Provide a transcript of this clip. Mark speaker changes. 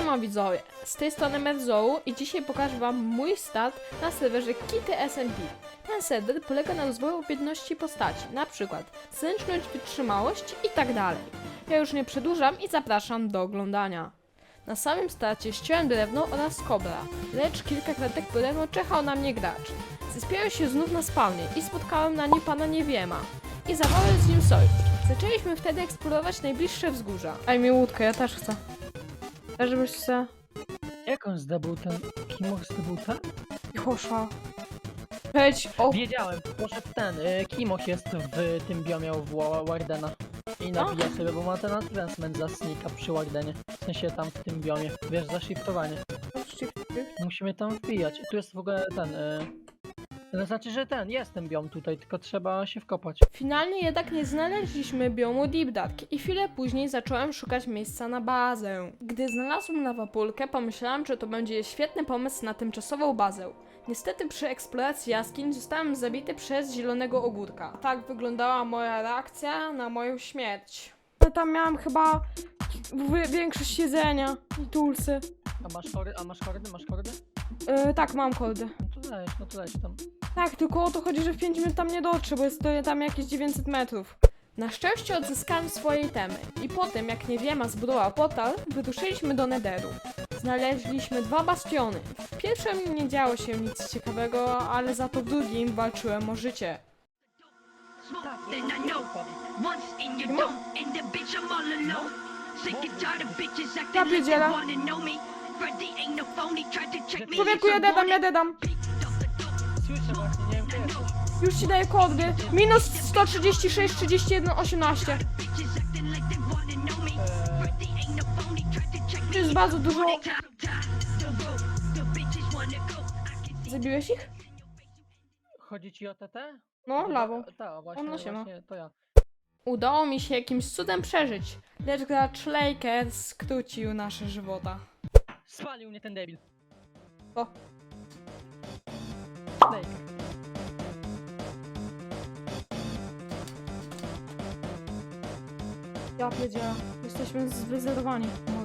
Speaker 1: Siema widzowie, z tej strony Merzołu i dzisiaj pokażę wam mój start na serwerze Kitty SMP. Ten serwer polega na rozwoju umiejętności postaci, na przykład zręczność, wytrzymałość i tak dalej. Ja już nie przedłużam i zapraszam do oglądania. Na samym starcie ściąłem drewno oraz kobra, lecz kilka kratek po drewno czekał na mnie gracz. Zespiałem się znów na spawnie i spotkałem na nim pana Niewiema i zawarłem z nim sojusz. Zaczęliśmy wtedy eksplorować najbliższe wzgórza. Daj mi łódkę, ja też chcę. Żebyś se...
Speaker 2: Jak on zdobył ten... Kimoch zdobył ten?
Speaker 1: Chosza. Wejdź, o...
Speaker 2: Wiedziałem, poszedł ten. Kimoch jest w tym biomie w Wardena. I nabija sobie, bo ma ten advancement za sneaka przy Wardenie. W sensie tam w tym biomie. Wiesz, za shiftowanie. Musimy tam wbijać. I tu jest w ogóle ten... To znaczy, że jest ten biom tutaj, tylko trzeba się wkopać.
Speaker 1: Finalnie jednak nie znaleźliśmy biomu Deep Dark i chwilę później zacząłem szukać miejsca na bazę. Gdy znalazłem lawapulkę, pomyślałem, że to będzie świetny pomysł na tymczasową bazę. Niestety przy eksploracji jaskiń zostałem zabity przez zielonego ogórka. Tak wyglądała moja reakcja na moją śmierć. Ja tam miałam chyba większość jedzenia i tulsy.
Speaker 2: A masz kordy? Masz kordy?
Speaker 1: Tak, mam kordy.
Speaker 2: No to leć tam.
Speaker 1: Tak, tylko o to chodzi, że w 5 minut tam nie dotrze, bo jest to tam jakieś 900 metrów. Na szczęście odzyskałem swoje itemy i po tym, jak Niewiema zbudował portal, wyruszyliśmy do Netheru. Znaleźliśmy 2 bastiony. W pierwszym nie działo się nic ciekawego, ale za to w drugim walczyłem o życie. Ja pierdzielę. Człowieku, ja dedam.
Speaker 2: Słyszę właśnie, nie wiem gdzie jesteś.
Speaker 1: Już ci daję kody. Minus 136, 31, 18. To jest bardzo dużo. Zabiłeś ich?
Speaker 2: Chodzi ci o TT?
Speaker 1: No, lawą.
Speaker 2: Tak, właśnie,
Speaker 1: Ono się ma.
Speaker 2: właśnie to ja.
Speaker 1: Udało mi się jakimś cudem przeżyć, lecz gracz Laker skrócił nasze żywota.
Speaker 2: Spalił mnie ten debil.
Speaker 1: O.
Speaker 2: Snake.
Speaker 1: Ja pierdzielę. Jesteśmy zwyzerowani.